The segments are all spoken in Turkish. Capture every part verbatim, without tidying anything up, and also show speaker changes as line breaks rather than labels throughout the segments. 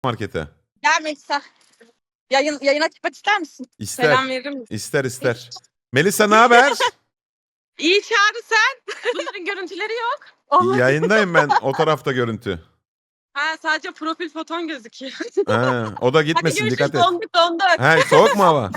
markete.
Gel Melisa. Yayın, yayına çıkmak ister misin?
İster.
Selam veririm.
İster ister. Melisa ne haber?
İyi Çağrı sen. Bunların görüntüleri yok.
Yayındayım ben. O tarafta görüntü.
Ha, sadece profil foton gözüküyor.
Ha, o da
Hadi
gitmesin,
görüşürüz,
dikkat et.
donduk donduk.
Ha, soğuk mu hava?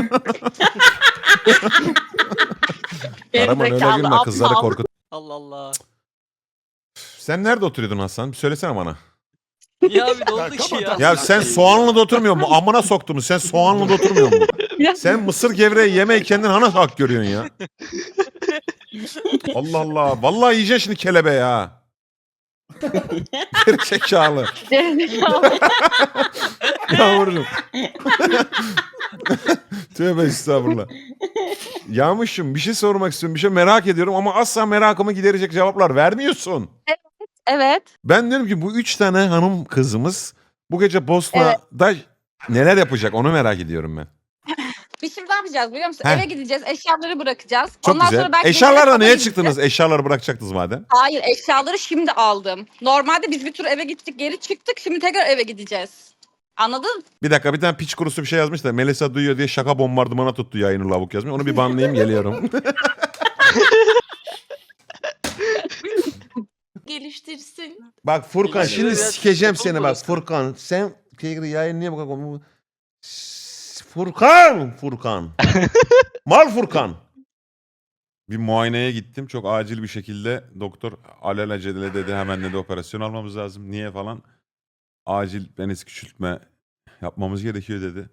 Araman öyle
Gerizekalı,
gülme, kızları
aptal.
korkut.
Allah Allah.
Sen nerede oturuyordun Hasan? Bir söylesene bana.
Ya abi ne oldu ki ya?
Ya sen Soğanlı'da oturmuyor mu? Amına soktum. Sen Soğanlı'da oturmuyor mu? Sen mısır gevreği yemeyi kendin hana hak görüyorsun ya. Allah Allah. Vallahi yiyeceksin şimdi kelebeği ha. Gerizekalı.
Gerizekalı.
Yavrum. Tövbe estağfurullah. Yağmurcuğum bir şey sormak istiyorum. Bir şey merak ediyorum ama asla merakımı giderecek cevaplar vermiyorsun.
Evet.
Ben diyorum ki bu üç tane hanım kızımız bu gece Bosna'da neler yapacak onu merak ediyorum ben.
Biz şimdi ne yapacağız biliyor musun?
Heh.
Eve gideceğiz, eşyaları bırakacağız.
Çok
Ondan
güzel.
sonra belki
Eşyalarla
Melisa
neye
falan
çıktınız?
gideceğiz.
Eşyaları bırakacaktınız madem.
Hayır, eşyaları şimdi aldım. Normalde biz bir tur eve gittik, geri çıktık. Şimdi tekrar eve gideceğiz. Anladın?
Bir dakika, bir tane piç kurusu bir şey yazmış da Melisa duyuyor diye şaka bombardımana tuttu yayını lavuk yazmış. Onu bir banlayayım, geliyorum.
Geliştirsin.
Bak Furkan
Ya,
şimdi
ya,
sikeceğim
çok
seni bak
burası.
Furkan. Sen yayın niye bu kadar komik? Furkan! Furkan. Mal Furkan. Bir muayeneye gittim. Çok acil bir şekilde doktor alelacele dedi, hemen dedi operasyon almamız lazım. Niye falan. Acil penis küçültme yapmamız gerekiyor dedi.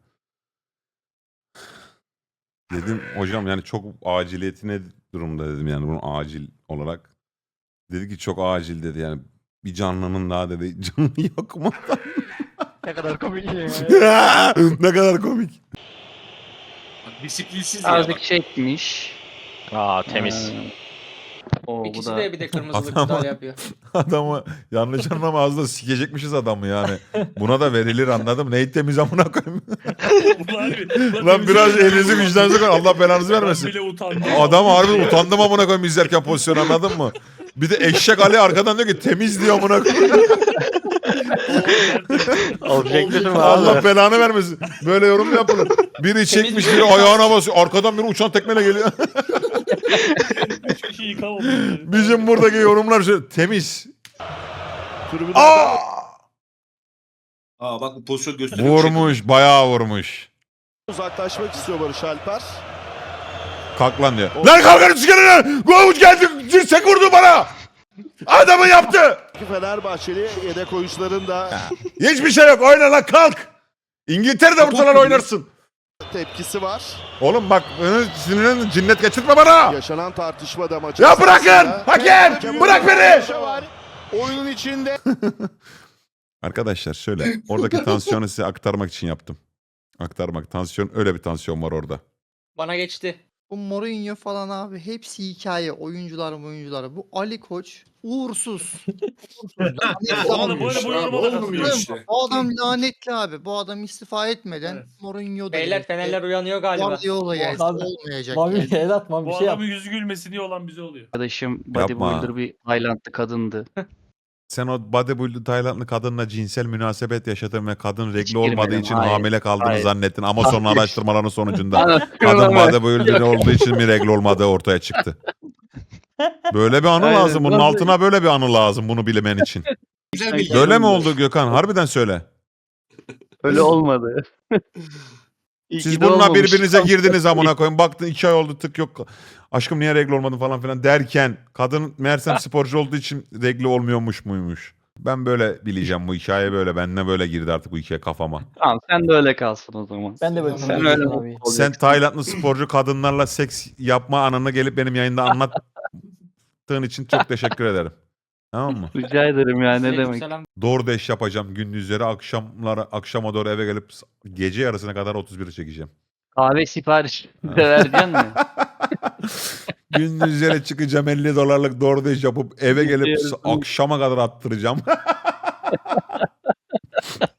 Dedim hocam yani çok aciliyeti ne durumda dedim yani bunun acil olarak. Dedi ki çok acil dedi yani bir canlının daha dedi canını yakma.
Ne kadar komik ya.
Ne kadar komik.
Disiplinsiz ya
Azıcık
bak.
çekmiş.
Aa temiz.
Ee, o bu
İkisi
da
de bir de kırmızılık
Adamı-
güzel yapıyor.
Adamı yanlış anlama ağzına sikecekmişiz adamı yani. Buna da verilir anladım. Neyi temiz amına koyayım. Lan biraz elinizi vicdanınıza koyun. Allah belanızı vermesin.
Ben bile utandım.
Adam harbi utandım amına koyayım izlerken pozisyon, anladın mı? Bir de eşek Ali arkadan diyor ki temiz diyor amına koyayım.
Objektifim abi.
Allah belanı vermesin. Böyle yorum mu yapılır? Biri çekmiş, biri ayağına basıyor. Arkadan biri uçan tekmeyle geliyor.
Üç kişi yıkamadım.
Bizim buradaki yorumlar şöyle temiz. Aa!
Aa bak bu pozisyon gösteriyor.
Vurmuş, bayağı vurmuş.
Uzaklaşmak istiyor Barış Alper.
Kalk lan diyor. Lan kalkın çıkarın! Govuç geldi, dirsek vurdu bana! Adamı yaptı!
Fenerbahçeli yedek oyuncuların da
Hiçbir şey yok, oyna lan kalk! İngiltere'de vursalar oynarsın.
tepkisi var.
Oğlum bak, beni sinirlen cinnet geçirtme bana!
Yaşanan tartışma da maçın
Ya bırakın!
sırasında-
Hakem! Bırak beni!
Var. Oyunun içinde
Arkadaşlar şöyle, oradaki tansiyonu size aktarmak için yaptım. Aktarmak, tansiyon, öyle bir tansiyon var orada.
Bana geçti.
Bu Mourinho falan abi hepsi hikaye. Oyuncular oyuncular. Bu Ali Koç uğursuz.
Bu adam böyle bu yoruma da katılıyor işte.
Bu adam lanetli abi. Bu adam istifa etmeden
Evet.
Mourinho da
Beyler Fenerler uyanıyor galiba.
Guardiola gelse
Abi,
olmayacak.
Mami
yani.
el atma bir
Bu
şey yap.
adamın yüzü gülmesini olan bize oluyor.
Arkadaşım
Yapma.
bodybuilder bir Taylandlı kadındı.
Sen o bodybuilder Taylandlı kadınla cinsel münasebet yaşadın ve kadın regli
girmedim,
olmadığı için
hayır,
hamile kaldığını
hayır.
zannettin. Ama sonra
Hayır.
araştırmaların sonucunda
Anlatıyorum
kadın
ama.
bodybuilder olduğu için mi regli olmadığı ortaya çıktı. Böyle bir anı
Aynen,
lazım. Bunun
nasıl-
altına böyle bir anı lazım bunu bilmen için.
Güzel bir
Böyle mi oldu Gökhan? Harbiden söyle.
Öyle olmadı. İyi
Siz
ki de
bununla
olmamış.
birbirinize girdiniz amına koyun. Baktın iki ay oldu tık yok. Aşkım niye regl olmadın falan filan derken kadın meğersem sporcu olduğu için regli olmuyormuş muymuş. Ben böyle bileceğim bu hikaye böyle. Benimle böyle girdi artık bu hikaye kafama.
Tamam sen de öyle kalsın o zaman. Ben de böyle
Sen
Sen
öyle
öyle
abi.
mutlu olacaksın.
Sen Taylandlı sporcu kadınlarla seks yapma anını gelip benim yayında anlattığın için çok teşekkür ederim. Tamam mı?
Rica ederim ya ne demek.
Aleykümselam.
DoorDash yapacağım gündüzleri, akşamlara akşama doğru eve gelip gece yarısına kadar otuz biri çekeceğim.
Kahve sipariş de vereceksin mi?
Gündüzleri çıkacağım elli dolarlık DoorDash yapıp eve gelip
Yarısını-
akşama kadar attıracağım.